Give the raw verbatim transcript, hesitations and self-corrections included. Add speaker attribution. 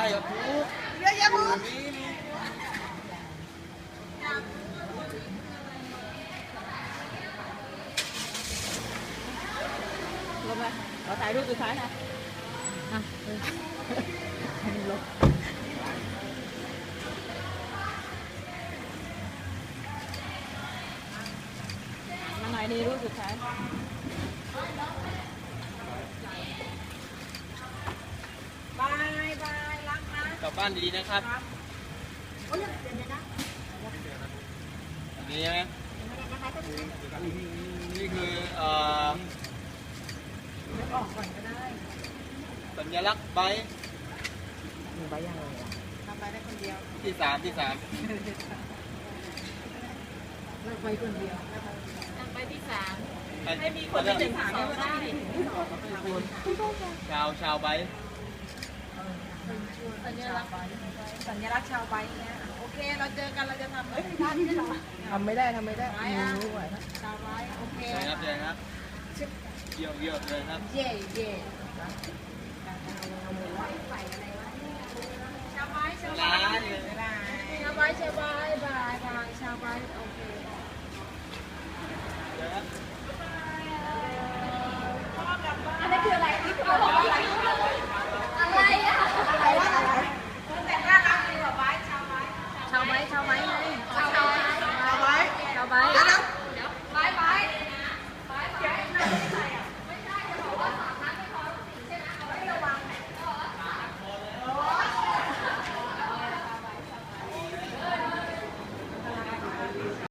Speaker 1: เหรอทุก
Speaker 2: เยอะแยะหมด
Speaker 3: ลงไปขอถ่ายรูปสุดท้ายนะอ่ะลงมาหน่อยดีรูปสุดท้าย
Speaker 2: บายบายรักนะ
Speaker 1: กลับบ้านดีๆนะครับ
Speaker 2: โอ้ยเดี๋ยวเดี๋ยวนะ
Speaker 1: อันนี้ใช่ไหมนี่คือเอ่อ
Speaker 2: เดี๋ยวออกก่อนก็ได้
Speaker 1: สัญลักษณ์ใบ
Speaker 3: หนูไปยังไงอ่ะ
Speaker 2: ทำไปได้คนเดียว
Speaker 1: ที่สามที่สาม
Speaker 2: เราไปคนเดียว
Speaker 3: นั่งไปที่สาม
Speaker 2: ให้มีคนที่หนึ่งถามได้ว่าได้ที่สอง
Speaker 1: ชาวชาวใบ
Speaker 2: สัญลักษณ์สัญลักษณ์ชาวใบเนี่ยโอเคเราเจอกันเราจะทำเอ้ยท่านี้ได้หรอ
Speaker 3: ทำไม่ได้ทำไม่ได้
Speaker 2: ไม่อ่ะชาวใบโอเค
Speaker 1: ใช่ครับใช่ครับเยี่ยมเยี่ยมเลยครับ
Speaker 2: เย่เย่ใส่อะไรวะชาวใบชาวใบ
Speaker 1: ร้านเลย
Speaker 2: ชาวใบชาวใบบายบายชาวใบโอเค